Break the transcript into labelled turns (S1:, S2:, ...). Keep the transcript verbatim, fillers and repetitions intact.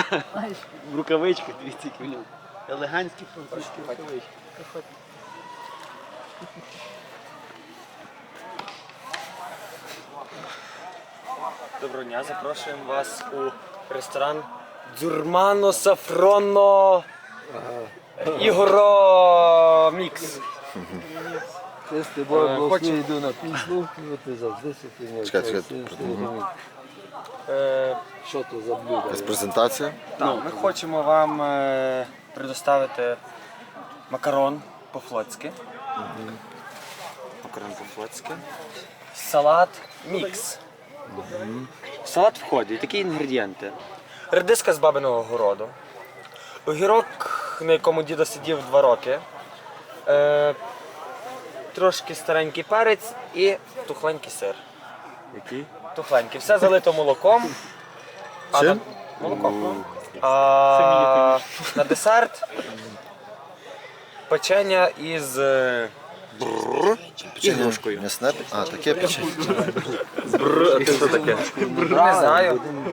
S1: В рукавичках, дивіться, які в ньому. Елегантські французькі рукавички.
S2: Доброго дня, запрошуємо вас у ресторан Дзурмано Сафронно Ігоро Мікс.
S3: Я з тобою власне йду на пісню, ти завжди сидиш.
S4: Чекай, чекай.
S2: Е,
S3: Що то за блюдо?
S4: Якась презентація.
S2: так, ми хочемо вам е, предоставити макарон по-флотськи. Макарон по-флотськи. Салат мікс. В салат входять такі інгредієнти. Редиска з бабиного городу. Огірок, на якому дідо сидів два роки. Е, трошки старенький перець і тухленький сир.
S4: Який?
S2: Тухленький. Все залито молоком. А
S4: Чим?
S2: на- Молоком. А на десерт печення із е, ігрушкою.
S4: М'ясне? А, таке печення.
S2: Не знаю.